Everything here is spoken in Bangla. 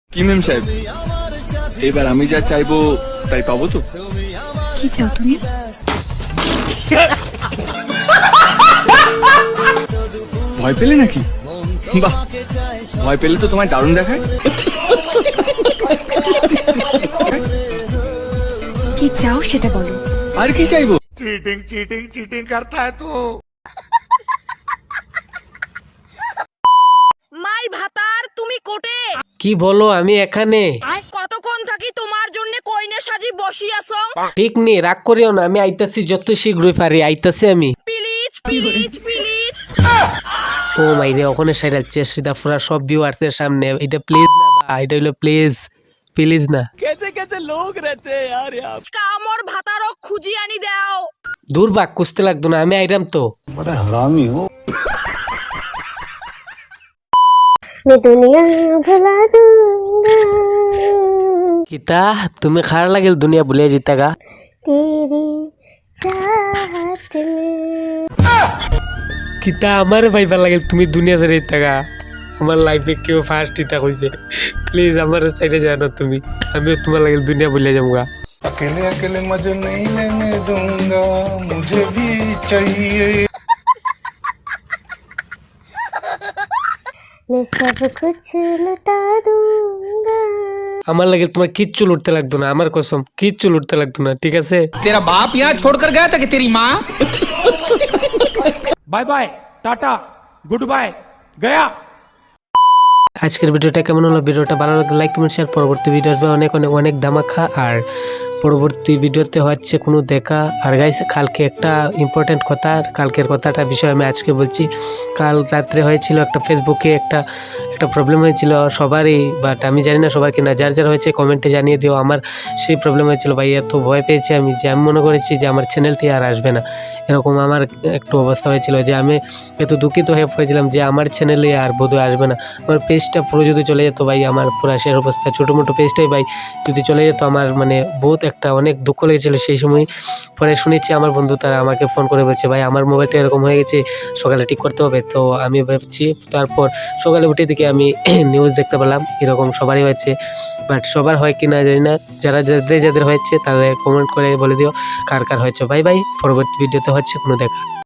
কি মেম সাহেব, এবার আমি যা চাইবো তাই পাবো তো? কি চাও তুমি? ভয় পেলে নাকি? বাহ, ভয় পেলে তো তোমায় দারুণ দেখায়। কি চাও সেটা বলো। আর কি চাইবো? चीटिंग चीटिंग चीटिंग करता है तू। মাই ভাতার তুমি কোটে কি বলো? আমি এখানে। কতক্ষণ থাকি তোমার জন্য কইনে সাজি বসি আছো? ঠিক নেই, রাগ করিও না, আমি আইতাছি যত শীঘ্রই পারি, আইতাছি আমি। Please please please. ও মাইরে, ওখানে সাইরাচ্ছে সিধা পুরা সব ভিউয়ার্সের সামনে। এটা প্লিজ না বা, এটা হলো প্লিজ, প্লিজ না। কামর ভাতারও খুঁজি আনি দাও। দূর বাক, কুস্তে লাগতো না, আমি আইরাম তো। मैं दुनिया भुला दूंगा কিতা তুমি খার লাগিল দুনিয়া ভুলে জিতা গা? तेरी चाहत में। কিতা আমার ভাইবা লাগিল তুমি দুনিয়া ধরে জিতা গা? আমার লাইফে কেউ ফার্স্ট ইতা কইছে, প্লিজ আমার সাইডে যাও না তুমি, আমিও তোমার লাগিল দুনিয়া ভুলে যাবো গা। अकेले अकेले मजे नहीं लेने दूंगा, मुझे भी चाहिए। मैं सब कुछ लुटा दूंगा। আমার লাগে তোমার কিচ্ছু লুটতে লাগতো না, আমার কসম কিচ্ছু লুটতে লাগতো না, ঠিক আছে? तेरा बाप यहाँ छोड़कर गया था कि तेरी माँ? Bye bye tata good bye गया। আজকের ভিডিওটা কেমন হলো? ভিডিওটা ভালো লাগলে লাইক কমেন্ট শেয়ার। পরবর্তী ভিডিও আসবে অনেক অনেক অনেক ধামাকা, আর পরবর্তী ভিডিওতে হচ্ছে কোনো দেখা। আর গাইস, কালকে একটা ইম্পর্টেন্ট কথা, কালকের কথাটা বিষয় আমি আজকে বলছি। কাল রাত্রে হয়েছিল একটা ফেসবুকে একটা প্রবলেম হয়েছিল সবারই, বাট আমি জানি না সবার কিনা, যার যার হয়েছে কমেন্টে জানিয়ে দিও। আমার সেই প্রবলেম হয়েছিল ভাই, এত ভয় পেয়েছি আমি যে আমি মনে করেছি যে আমার চ্যানেলটি আর আসবে না। এরকম আমার একটু অবস্থা হয়েছিল যে আমি এত দুঃখিত হয়ে পড়েছিলাম যে আমার চ্যানেলে আর বোধহয় আসবে না। আমার পেজটা পুরো যদি চলে যেত ভাই, আমার পুরো শেষ অবস্থা, ছোটো মোটো পেজটাই ভাই যদি চলে যেত, আমার মানে বহুত একটা অনেক দুঃখ লেগেছিলো সেই সময়। পরে শুনেছি আমার বন্ধু তারা আমাকে ফোন করে বলছে ভাই আমার মোবাইলটা এরকম হয়ে গেছে, সকালে ঠিক করতে হবে। তো আমি ভাবছি, তারপর সকালে উঠে দিকে আমি নিউজ দেখতে পেলাম এরকম সবারই হয়েছে, বাট সবার হয় কি না জানি না। যাদের হয়েছে তাদের কমেন্ট করে বলে দিও কার কার হয়েছে। বাই বাই, পরবর্তী ভিডিওতে হচ্ছে কোনো দেখা।